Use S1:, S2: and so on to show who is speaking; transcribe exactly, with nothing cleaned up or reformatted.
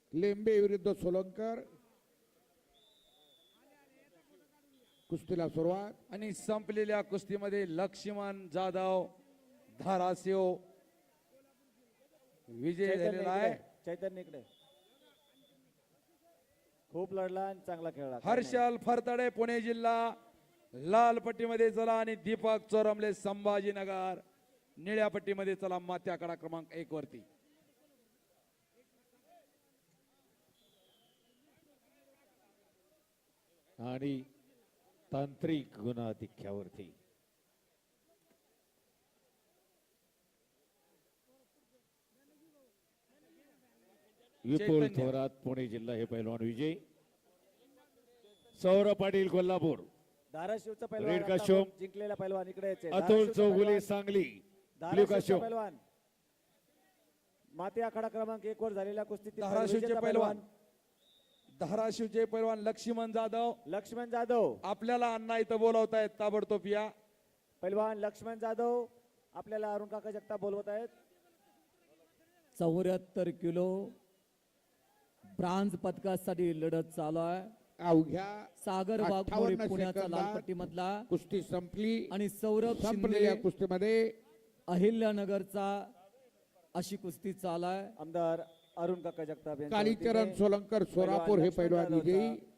S1: लेंबे विरुद्ध सोलंकर. कुस्तीला सुरुवात.
S2: आणि संपलेल्या कुस्तीमध्ये लक्ष्मण जाधव धाराशिव विजय झालेला आहे.
S3: चैतन्य इकडे खूप लढला आणि चांगला खेळला.
S2: हर्षल फरतडे पुणे जिल्हा लाल पट्टीमध्ये चला आणि दीपक चोरमले संभाजीनगर निळ्या पट्टीमध्ये चला मात्याकडा क्रमांक एक वरती.
S4: आणि तांत्रिक गुणाधिक्यावरती विपुल
S2: चैतन्य.
S4: थोरात पुणे जिल्हा हे पैलवान विजय. सौरभ पाटील कोल्हापूर.
S3: धाराशिवचा
S4: रेड
S3: पैलवान
S4: कास्ट्यूम.
S3: आता जिंकलेला पैलवान इकडे यायचे.
S4: अतुल
S3: धाराशिवचा
S4: चौगुले
S3: पैलवान,
S4: सांगली ब्ल्यू
S3: धाराशिवचा
S4: कास्ट्यूम.
S3: पैलवान माती आखाडा क्रमांक एक वर झालेल्या कुस्तीत
S2: धाराशिवचे पैलवान धाराशिवचे पैलवान लक्ष्मण जाधव
S3: लक्ष्मण जाधव.
S2: आपल्याला अण्णा इथं बोलवतायत ताबडतोब या.
S3: पैलवान लक्ष्मण जाधव आपल्याला अरुण काका जगताप बोलवत आहेत.
S5: चौऱ्याहत्तर किलो ब्रांज पदकासाठी लढत चालू आहे.
S1: अवघ्या
S5: सागर वाघमोरे
S1: अठ्ठावन्न
S5: पुण्याचा
S1: सेकंदात
S5: लालपट्टी मधला
S1: कुस्ती संपली.
S5: आणि सौरभ
S1: संपलेल्या
S5: शिंदे
S1: कुस्तीमध्ये
S5: अहिल्यानगरचा अशी कुस्ती चालू आहे.
S3: आमदार अरुण काका जगताप यांच्या
S1: कालीचरण
S3: वतीने
S1: सोलंकर सोलापूर हे
S3: पैलवान
S1: पैलवान
S3: लक्ष्मण
S1: विजयी.
S3: जाधवचा